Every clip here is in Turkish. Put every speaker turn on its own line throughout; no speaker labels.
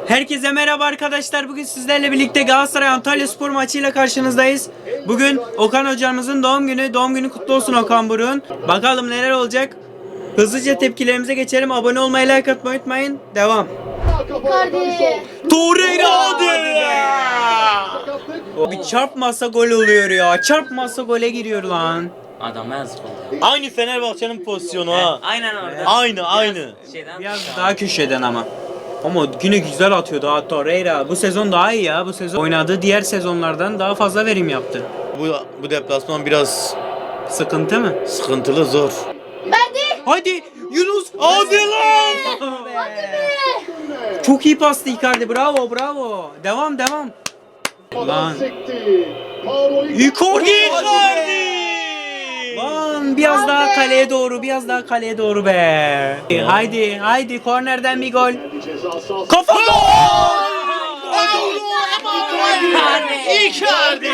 Herkese merhaba arkadaşlar. Bugün sizlerle birlikte Galatasaray Antalyaspor maçıyla karşınızdayız. Bugün Okan hocamızın doğum günü. Doğum günü kutlu olsun Okan Buruk'un. Bakalım neler olacak. Hızlıca tepkilerimize geçelim. Abone olmayı, like atmayı unutmayın. Devam. Torreira hadi. Bir çarpmasa gol oluyor ya. Çarpmasa gole giriyor lan.
Adama yazık oldu.
Aynı Fenerbahçe'nin pozisyonu ha.
Aynen orada.
Aynı.
Şeyden
Biraz daha köşeden ama. Ama yine güzel atıyordu ha Torreira. Bu sezon daha iyi ya. Bu sezon oynadığı diğer sezonlardan daha fazla verim yaptı.
Bu deplasman biraz
Sıkıntı mı?
sıkıntılı, zor.
Hadi Yunus.
Hadi lan!
Çok iyi pastı Icardi. Bravo. Devam. Lan. Icardi. Lan biraz daha kaleye doğru be. Haydi kornerden bir gol. Kafa gol!
Icardi!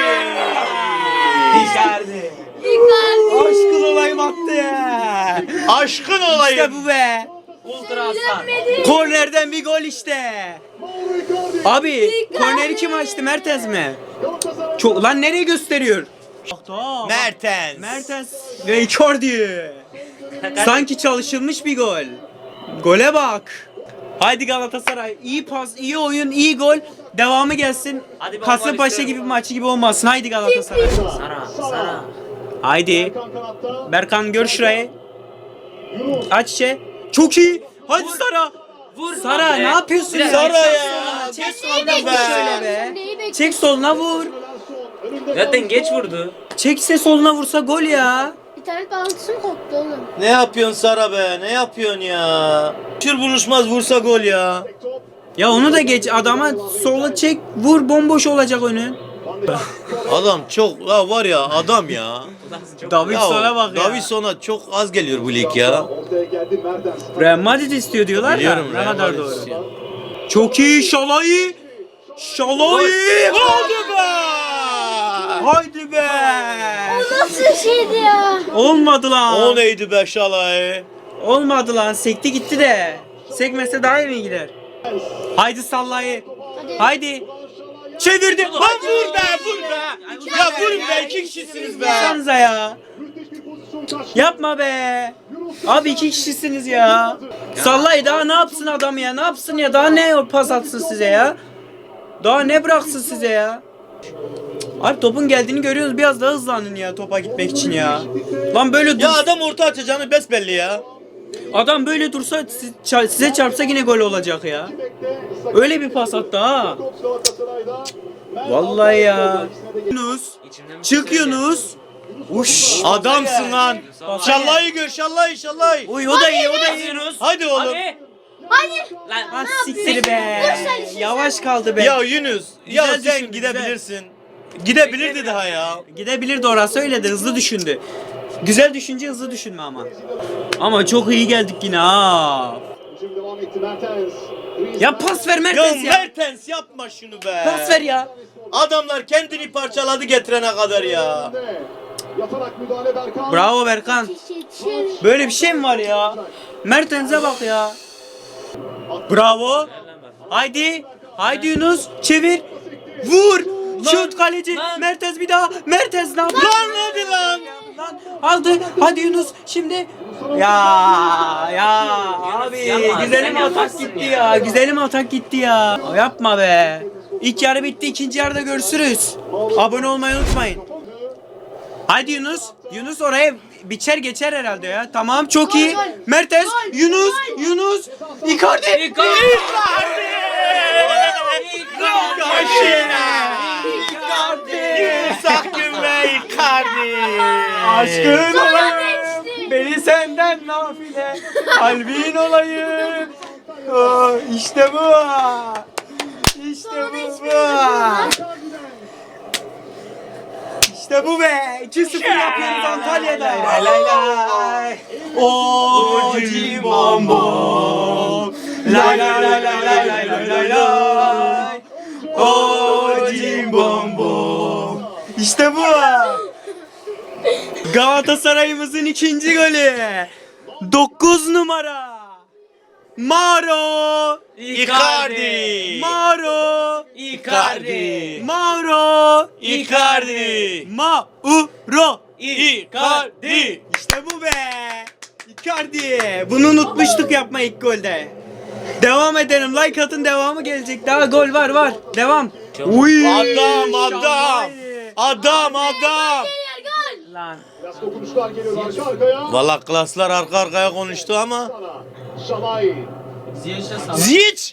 Aşkın olayım attı ya.
Aşkın olayım.
İşte bu be.
ultra aslan.
Kornerden bir gol işte. Abi korneri kim açtı? Mertens mi? Çok lan nereye gösteriyor? Mertens ve Icardi. Sanki çalışılmış bir gol. Gole bak. Haydi Galatasaray. İyi pas, iyi oyun, iyi gol. Devamı gelsin.
Hadi ben
Kasımpaşa
istiyorum.
gibi bir maçı gibi olmasın. Haydi Galatasaray.
Sara.
Haydi. Berkan gör şurayı. Aç içe. Çok iyi. Hadi Sara.
Vur.
Sara
lan be.
ne yapıyorsun ya?
Sara ya.
Çek soluna vur şöyle be. Çek soluna vur.
Zaten geç vurdu.
Çekse soluna vursa gol ya.
İnternet bağlantısı mı koptu oğlum?
Ne yapıyorsun Sara be? Ne yapıyorsun ya? Şur buluşmaz vursa gol ya.
Ya onu da geç adama sola çek vur bomboş olacak önü.
Adam çok var ya adam ya.
Davidson'a bak ya.
Davidson'a çok az geliyor bu lig ya.
Real Madrid istiyor diyorlar
Biliyorum,
da. Ne
Real
kadar
Madrid
doğru.
istiyor.
Çok iyi Şalai. Hadi be. Haydi be.
Nasıl şeydi ya?
Olmadı lan.
O neydi be Şalay?
Olmadı lan. Sekti gitti de. Sekmese daha iyi mi gider? Haydi Sallayı. Haydi. Çevirdi. Lan vur be.
Ya vurun be, iki kişisiniz be.
Yapsanıza ya. Yapma be. Abi iki kişisiniz ya. Sallayı daha ne yapsın adam ya? Ne yapsın ya? Daha ne pas atsın size ya? Daha ne bıraksın size ya? Abi topun geldiğini görüyoruz. Biraz daha hızlanın ya topa gitmek için ya. Lan böyle dur.
Ya adam orta açacağını besbelli ya.
Adam böyle dursa size çarpsa yine gol olacak ya. Öyle bir pas attı ha. Vallahi ya. Yunus. Çık Yunus. Uş.
Adamsın lan. Şallayı gör, şallayı.
Uy o da iyi.
Hadi oğlum.
Hadi. Lan.
Lan siktir be. Yavaş kaldı be.
Ya Yunus, ya
Güzel
sen
düşün,
gidebilirsin. Gidebilirdi daha ya.
Gidebilirdi orası öyle de hızlı düşündü. Güzel düşünce hızlı düşünme ama. Ama çok iyi geldik yine ha. Ya pas ver
Ya
Mertens ya.
Mertens yapma şunu be.
Pas ver ya.
Adamlar kendini parçaladı getirene kadar ya.
Bravo Berkan. Böyle bir şey mi var ya? Mertens'e bak ya. Bravo. Haydi. Haydi Yunus. Çevir. Vur. Şut kaleci.
Lan.
Mertens bir daha. Mertens ne yapıyor?
Lan hadi lan.
Lan aldı. Hadi Yunus. Şimdi. Ya abi.
yapma,
Güzelim
sen
atak
yapmazsın
gitti
ya.
ya. Güzelim atak gitti ya. Yapma be. İlk yarı bitti. İkinci yarıda görüşürüz. Abone olmayı unutmayın. Haydi Yunus. Yunus oraya biçer geçer herhalde ya. Tamam çok iyi.
Gol.
Mertens.
Gol.
Yunus. Icardi.
Sakın be Icardi.
Aşkın
Sonra
olayım.
geçti.
Beni senden nafile. Kalbin olayım. Oh, işte bu. İşte bu. İşte bu be. 2-0 yapıyoruz Antalya'da. Lay lay lay. O cimbom bom. Lay lay lay lay lay lay lay lay lay. O cimbom bom. İşte bu. Galatasaray'ımızın ikinci golü. 9 numara. Maro.
Icardi.
Mauro
Icardi.
Mauro
Icardi.
Mauro
Icardi.
İşte bu be. Icardi. Bunu unutmuştuk yapma ilk golde. Devam edelim. Like atın, devamı gelecek. Daha gol var. Devam. Uy.
Adam.
Şalay.
Adam.
Gel gol.
Lan.
Biraz dokunuşlar geliyor arka arkaya.
Valla klaslar arka arkaya konuştu ama.
Sana. Şalay.
Ziyech.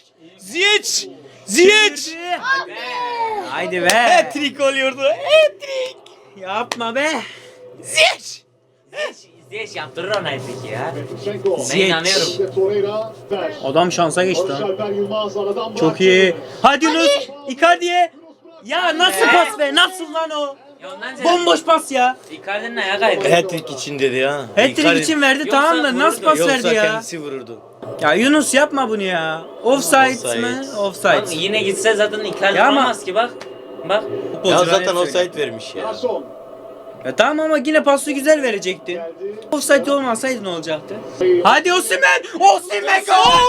Haydi be.
Hat-trick oluyordu. Hat-trick.
Yapma be.
Ziyech.
Ziyech yaptırır ona peki ya.
Şenko.
Ben
Ziyech.
inanıyorum.
Ve Torreira. Ver.
Adam şansa geçti
Barış
ha.
Alper Yılmaz aradan
Çok
bıraktı.
iyi. Hadi Yunus. Icardi'ye. Ya nasıl pas be? Nasıl lan o?
Ya ondan sonra
Bomboş pas ya.
Icardi'nin ayağı kaydı.
Hat-trick için dedi ya.
Hat-trick
Icardi-
için verdi
Yoksa
tamam da nasıl pas
Yoksa
verdi ya?
kendisi vururdu.
Ya Yunus yapma bunu ya. Offside
Offside.
mi?
Bak,
Offside.
yine gitse zaten Icardi
Ya ama-
olmaz ki bak. Bak.
Ya zaten offside vermiş ya.
Garson.
Ya tamam ama yine pası güzel verecektin.
Geldi.
Offside olmasaydı ne olacaktı? Hadi Osimhen! Osimhen!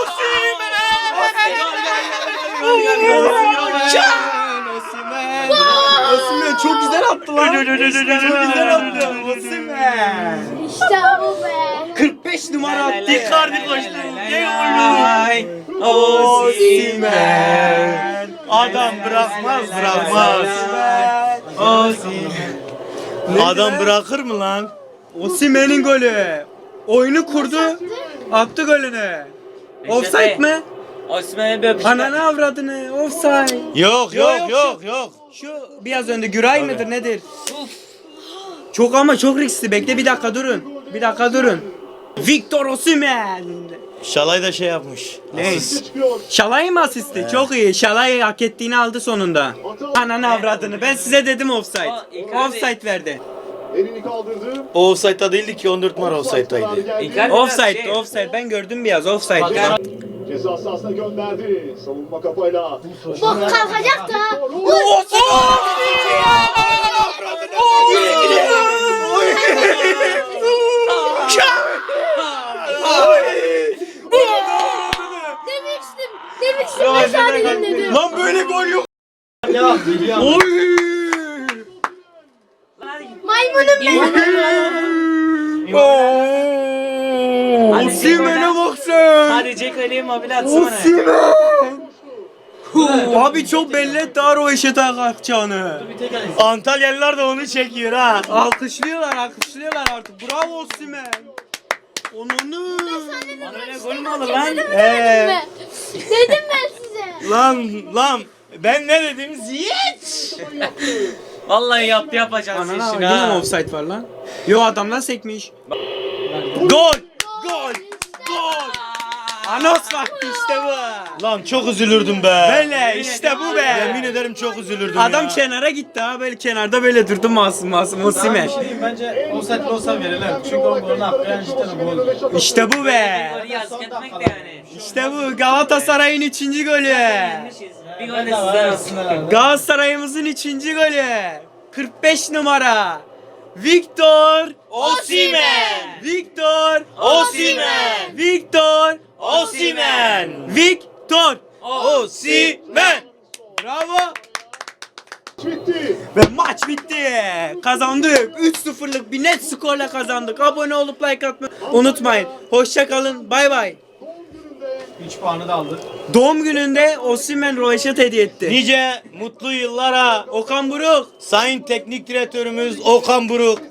Osimhen çok güzel attı lan. Çok güzel attı. Osimhen.
İşte bu be.
45 numara attı.
Icardi koştu.
Ay, Osimhen.
Adam bırakmaz.
Osimhen.
Adam bırakır mı lan?
Osimhen'in golü. Oyunu kurdu. Attı golünü. Offside mi?
Osimhen'e bir öpüşler.
Ananı avradını. Offside.
Yok.
Şu biraz önde Güray mıdır nedir? Çok ama çok riskli. Bekle bir dakika durun. Victor Osimhen.
Şalay da şey yapmış.
Ne?
Çıkıyor.
Şalay mı asisti? Çok iyi. Şalay hak ettiğini aldı sonunda. Ananı avradını. Ben size dedim offside.
Icardi-
Offside verdi.
Elini kaldırdı.
O offside'da değildi ki 14 numara offside'daydı.
Icardi-
Offside, offside. Ben gördüm biraz offside.
Bakar.
Ceza sahasına gönderdi. Savunma kafayla.
Bak kalkacak da. Demiştim ben sadece dedim.
Lan böyle gol yok.
Maymunum benim.
Osimhen'e bak sen.
Hadi Jack Ali'ye mobil atsana.
Osimhen. Abi çok belli etti o eşe kalkacağını.
Antalyalılar da onu çekiyor ha.
Alkışlıyorlar artık. Bravo Osimhen. Onunu.
Bana öyle gol mü olur lan?
Dedim ben size.
Lan ben ne dedim? Ziyech.
Vallahi yapacağız
Anana
işini
yine mi
ha.
offside var lan? Yo adamlar sekmiş. Gol. Anos vakti işte bu.
Lan çok üzülürdüm be.
Böyle işte bu be.
Yemin ederim çok üzülürdüm
Adam
ya.
kenara gitti ha böyle kenarda böyle durdu masum Osimhen.
Bence offside olsa verilir. Çünkü o golün hakkı yani cidden gol.
İşte bu be.
Golü yazık etmek de yani.
İşte bu Galatasaray'ın 3. golü.
Yenmişiz. Bir gol de sizden olsun.
Galatasaray'ımızın 3. golü. 45 numara. Victor
Osimhen.
Victor
Osimhen.
Victor
Osimhen.
Victor.
Osimhen.
Bravo.
Bitti.
Ve maç bitti. Kazandık. 3-0'lık bir net skorla kazandık. Abone olup like atmayı unutmayın. Hoşça kalın. Bay bay.
3 puanı da aldık.
Doğum gününde Osimhen röveşat hediye etti.
Nice mutlu yıllara
Okan Buruk.
Sayın Teknik Direktörümüz Okan Buruk.